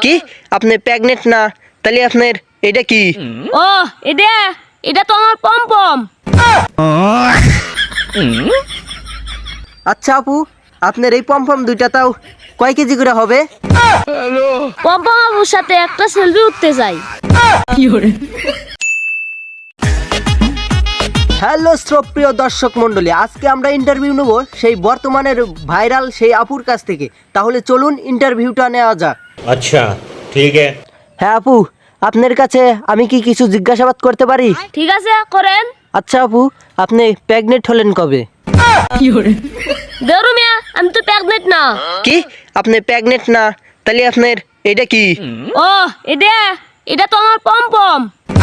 কি আপনি প্রেগনেন্ট না? তাহলে আপনার এটা কি? ও এটা তো আমার পমপম। আচ্ছা আপু, আপনার এই পমপম দুইটা তাও কয় কেজি করে হবে? পমপম আপুর সাথে একটা সেলফি উঠতে যাই। হ্যালো শ্রোপ্রিয় দর্শক মণ্ডলী, আজকে আমরা ইন্টারভিউ নেব সেই বর্তমানের ভাইরাল সেই আপুর কাছ থেকে। তাহলে চলুন ইন্টারভিউটা নেওয়া যাক। अच्छा ठीक है। হ্যাঁ আপু, আপনার কাছে আমি কি কিছু জিজ্ঞাসাবাদ করতে পারি? ঠিক আছে, করেন। আচ্ছা আপু, আপনি প্রেগনেন্ট হলেন কবে? দেরু মিয়া, আমি তো প্রেগনেন্ট না। কি আপনি প্রেগনেন্ট না? তাহলে আপনার এটা কি? ও এটা তো আমার পমপম।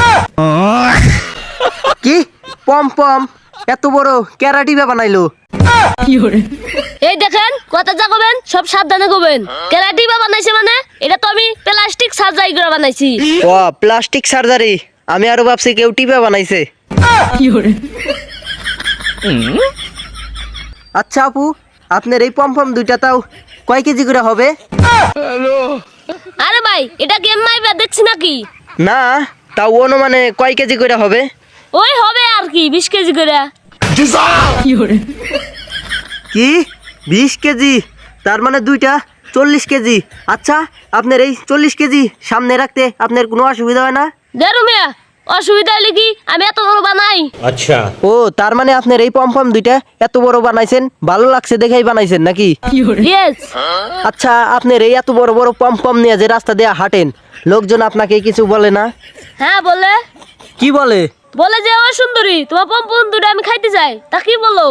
কি পমপম? এত বড় ক্যারাটিবা বানাইলো? এই দেখেন, কথা যা কবেন সব সাবধানে কবেন। কেরাটিবা বানাইছে মানে এটা তো আমি প্লাস্টিক সার্জারি করে বানাইছি। ও প্লাস্টিক সার্জারি, আমি আরো ভাবছি কেউ টিপা বানাইছে। আচ্ছা আপু, আপনার এই পমপম দুইটা তাও কয় কেজি করে হবে? আরে ভাই, এটা গেম মাইবা দেখছি নাকি? না, তাও অনুমানে কয় কেজি করে হবে? ওই হবে আর কি 20 কেজি করে। কি 20 কেজি? তার মানে দুইটা 40 কেজি। আচ্ছা, আপনার এই 40 কেজি সামনে রাখতে আপনার কোনো অসুবিধা হয় না? দেরু মিয়া, অসুবিধা হলে কি আমি এত বড় বানাই? अच्छा ও তার মানে আপনার এই পমপম দুইটা এত বড় বানাইছেন, ভালো লাগছে দেখেই বানাইছেন নাকি? ইয়েস। আচ্ছা, আপনার এই এত বড় বড় পমপম নিয়ে যে রাস্তা দিয়ে হাঁটেন, লোকজন আপনাকে কিছু বলে না? হ্যাঁ বলে। কি বলে? বলে যে ও সুন্দরী, তোমার পমপম দুটো আমি খাইতে চাই। তা কি বলো?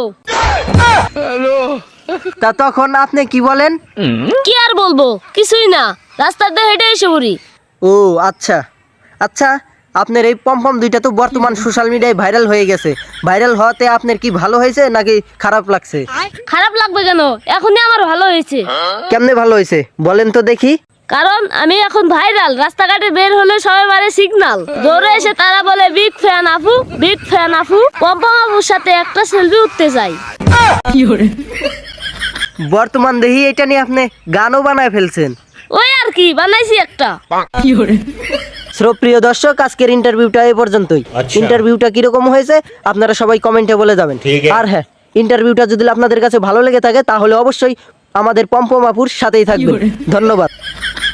তা তখন আপনি কি বলেন? কি আর বলবো, কিছুই না, রাস্তার দিয়ে হেঁটে এসে পড়ি। ও আচ্ছা আচ্ছা, আপনার এই পমপম দুইটা তো বর্তমান সোশ্যাল মিডিয়ায় ভাইরাল হয়ে গেছে। ভাইরাল হওয়াতে আপনার কি ভালো হয়েছে নাকি খারাপ লাগছে? খারাপ লাগবে কেন? এখনই আমার ভালো হয়েছে। কেমনে ভালো হয়েছে বলেন তো দেখি। কারণ আমি এখন ভাইরাল, রাস্তাঘাটে বের হলে সবাই মারে সিগন্যাল, দৌড়ে এসে তারা বলে বিগ ফ্যান আপু, বিগ ফ্যান আপু। পম্পম আপুর সাথে একটা সেলফি উঠতে যাই। বর্তমান দেখি এটা নিয়ে আপনি গানও বানায় ফেলছেন। ওই আর কি বানাইছি একটা। শ্রোপ্রিয় দর্শক, আজকের ইন্টারভিউটা এই পর্যন্তই। আচ্ছা। ইন্টারভিউটা কিরকম হয়েছে আপনারা সবাই কমেন্টে বলে যাবেন। ঠিক আছে। আর হ্যাঁ, ইন্টারভিউটা যদি আপনাদের কাছে ভালো লেগে থাকে তাহলে অবশ্যই আমাদের পম্পম আপুর সাথেই থাকবেন। ধন্যবাদ।